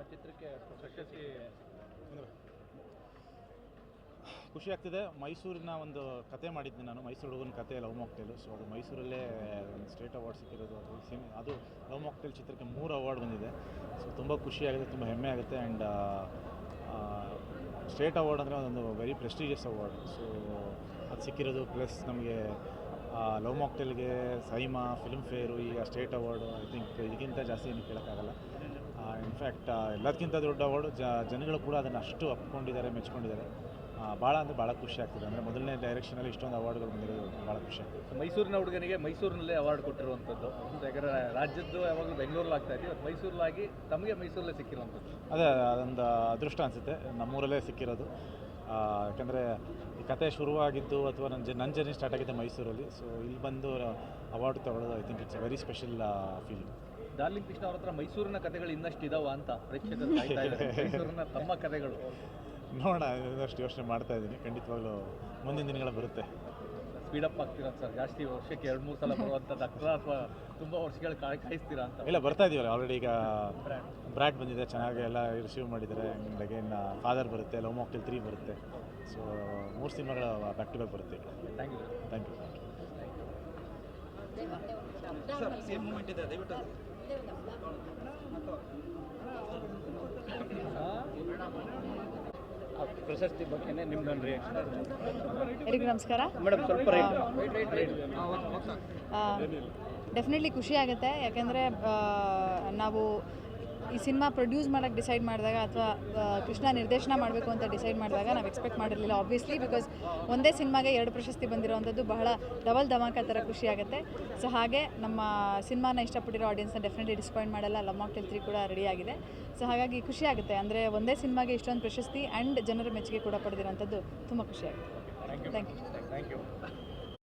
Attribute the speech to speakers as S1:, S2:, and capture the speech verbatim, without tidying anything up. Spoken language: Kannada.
S1: ಚಿತ್ರಕ್ಕೆ ಪ್ರಶಸ್ತಿ
S2: ಖುಷಿ ಆಗ್ತಿದೆ. ಮೈಸೂರಿನ ಒಂದು ಕತೆ ಮಾಡಿದ್ದೆ ನಾನು, ಮೈಸೂರು ಹುಡುಗನ ಕತೆ ಲವ್ ಮಾಕ್ಟೇಲು. ಸೊ ಅದು ಮೈಸೂರಲ್ಲೇ ಒಂದು ಸ್ಟೇಟ್ ಅವಾರ್ಡ್ ಸಿಕ್ಕಿರೋದು. ಅದು ಸಿನಿ ಅದು ಲವ್ ಮಾಕ್ಟೇಲ್ ಚಿತ್ರಕ್ಕೆ ಮೂರು ಅವಾರ್ಡ್ ಬಂದಿದೆ. ಸೊ ತುಂಬ ಖುಷಿಯಾಗುತ್ತೆ, ತುಂಬ ಹೆಮ್ಮೆ ಆಗುತ್ತೆ. ಆ್ಯಂಡ್ ಸ್ಟೇಟ್ ಅವಾರ್ಡ್ ಅಂದರೆ ಒಂದು ವೆರಿ ಪ್ರೆಸ್ಟೀಜಿಯಸ್ ಅವಾರ್ಡ್. ಸೊ ಅದು ಸಿಕ್ಕಿರೋದು, ಪ್ಲಸ್ ನಮಗೆ ಲವ್ ಮಾಕ್ಟೇಲ್ಗೆ ಸೈಮಾ ಫಿಲ್ಮ್ ಫೇರು ಈಗ ಸ್ಟೇಟ್ ಅವಾರ್ಡು, ಐ ಥಿಂಕ್ ಇದಕ್ಕಿಂತ ಜಾಸ್ತಿ ಏನು ಕೇಳೋಕ್ಕಾಗಲ್ಲ. ಇನ್ಫ್ಯಾಕ್ಟ್ ಎಲ್ಲದಕ್ಕಿಂತ ದೊಡ್ಡ ಅವಾರ್ಡು. ಜ ಜನಗಳು ಕೂಡ ಅದನ್ನು ಅಷ್ಟು ಒಪ್ಕೊಂಡಿದ್ದಾರೆ, ಮೆಚ್ಕೊಂಡಿದ್ದಾರೆ. ಭಾಳ ಅಂದರೆ ಭಾಳ ಖುಷಿ ಆಗ್ತಿದೆ. ಅಂದರೆ ಮೊದಲನೇ ಡೈರೆಕ್ಷನಲ್ಲಿ ಇಷ್ಟೊಂದು ಅವಾರ್ಡ್ಗಳು ಬಂದಿರೋದು ಭಾಳ ಖುಷಿ ಆಗ್ತದೆ.
S1: ಮೈಸೂರಿನ ಹುಡುಗನಿಗೆ ಮೈಸೂರಿನಲ್ಲೇ ಅವಾರ್ಡ್ ಕೊಟ್ಟಿರುವಂಥದ್ದು. ಯಾಕಂದರೆ ರಾಜ್ಯದ್ದು ಯಾವಾಗಲೂ ಬೆಂಗಳೂರಲ್ಲಿ ಆಗ್ತಾ ಇದೆ, ಮೈಸೂರಲ್ಲಾಗಿ ತಮಗೆ ಮೈಸೂರಲ್ಲೇ ಸಿಕ್ಕಿರುವಂಥದ್ದು
S2: ಅದೇ ಅದೊಂದು ಅದೃಷ್ಟ ಅನಿಸುತ್ತೆ, ನಮ್ಮೂರಲ್ಲೇ ಸಿಕ್ಕಿರೋದು. ಯಾಕೆಂದರೆ ಈ ಕತೆ ಶುರುವಾಗಿದ್ದು ಅಥವಾ ನನ್ನ ಜ ನನ್ನ ಜರ್ನಿ ಸ್ಟಾರ್ಟ್ ಆಗಿದ್ದೆ ಮೈಸೂರಲ್ಲಿ. ಸೊ ಇಲ್ಲಿ ಬಂದು ಅವಾರ್ಡ್ ತಗೊಳ್ಳೋದು I think it's a very special feeling.
S1: Darling Krishna ಅವ್ರ ಹತ್ರ ಮೈಸೂರಿನ ಕಥೆಗಳು ಇನ್ನಷ್ಟು ಇದಾವ ಅಂತ ಪ್ರೇಕ್ಷಕರು ಕಾಯ್ತಾ ಇದ್ದಾರೆ. ಮೈಸೂರಿನ ತಮ್ಮ ಕಥೆಗಳು
S2: ನೋಡೋಣ, ಇನ್ನಷ್ಟು ಯೋಚನೆ ಮಾಡ್ತಾ ಇದ್ದೀನಿ. ಖಂಡಿತವಾಗ್ಲೂ ಮುಂದಿನ ದಿನಗಳ ಬರುತ್ತೆ.
S1: ಸ್ಪೀಡಪ್ ಆಗ್ತೀರಾ ಸರ್? ಜಾಸ್ತಿ ವರ್ಷಕ್ಕೆ ಎರಡು ಮೂರು ಸಲ ಬರುವಂಥದ್ದು ಅಕ್ರ ಅಥವಾ ತುಂಬ ವರ್ಷಗಳು ಕಾಯ್ ಕಾಯಿಸ್ತೀರಾ ಅಂತ?
S2: ಇಲ್ಲ, ಬರ್ತಾ ಇದೀವಲ್ಲ ಆಲ್ರೆಡಿ. ಈಗ ಬ್ರ್ಯಾಡ್ ಬಂದಿದೆ, ಚೆನ್ನಾಗಿ ಎಲ್ಲ ರಿಸೀವ್ ಮಾಡಿದ್ದಾರೆ. ಆ್ಯಂಡ್ ಅಗೇನ್ ಫಾದರ್ ಬರುತ್ತೆ, ಲವ್ ಮಾಕ್ಟೇಲ್ ತ್ರೀ ಬರುತ್ತೆ. ಸೊ ಮೂರು ಸಿನಿಮಾಗಳು ಬ್ಯಾಕ್ ಟು ಬ್ಯಾಕ್ ಬರುತ್ತೆ.
S1: ಥ್ಯಾಂಕ್ ಯು
S2: ಥ್ಯಾಂಕ್ ಯು ಪ್ರಶಸ್ತಿ ಬಗ್ಗೆ ನಿಮ್ದೊಂದು ರಿಯಾಕ್ಷನ್.
S3: ಎಲ್ಲರಿಗೂ ನಮಸ್ಕಾರ
S1: ಮೇಡಮ್. ಸ್ವಲ್ಪ
S3: ಡೆಫಿನೆಟ್ಲಿ ಖುಷಿ ಆಗುತ್ತೆ. ಯಾಕೆಂದರೆ ನಾವು ಈ ಸಿನಿಮಾ ಪ್ರೊಡ್ಯೂಸ್ ಮಾಡೋಕ್ಕೆ ಡಿಸೈಡ್ ಮಾಡಿದಾಗ ಅಥವಾ ಕೃಷ್ಣ ನಿರ್ದೇಶನ ಮಾಡಬೇಕು ಅಂತ ಡಿಸೈಡ್ ಮಾಡಿದಾಗ ನಾವು ಎಕ್ಸ್ಪೆಕ್ಟ್ ಮಾಡಿರಲಿಲ್ಲ ಆಬ್ವಿಯಸ್ಲಿ. ಬಿಕಾಸ್ ಒಂದೇ ಸಿನಿಮಾಗೆ ಎರಡು ಪ್ರಶಸ್ತಿ ಬಂದಿರೋವಂಥದ್ದು ಬಹಳ ಡಬಲ್ ಧಮಾಕ ಥರ ಖುಷಿ ಆಗುತ್ತೆ. ಸೊ ಹಾಗೆ ನಮ್ಮ ಸಿನಿಮಾನ ಇಷ್ಟಪಟ್ಟಿರೋ ಆಡಿಯನ್ಸ್ನ ಡೆಫಿನೆಟ್ಲಿ ಡಿಸಪಾಯಿಂಟ್ ಮಾಡಲ್ಲ. ಲವ್ ಮಾಕ್ಟೇಲ್ ತ್ರೀ ಕೂಡ ರೆಡಿ ಆಗಿದೆ. ಸೊ ಹಾಗಾಗಿ ಖುಷಿ ಆಗುತ್ತೆ. ಅಂದರೆ ಒಂದೇ ಸಿನಿಮಾಗೆ ಇಷ್ಟೊಂದು ಪ್ರಶಸ್ತಿ ಆ್ಯಂಡ್ ಜನರ ಮೆಚ್ಚುಗೆ ಕೂಡ ಪಡೆದಿರೋಂಥದ್ದು ತುಂಬ ಖುಷಿ ಆಗುತ್ತೆ. Thank you
S1: thank you.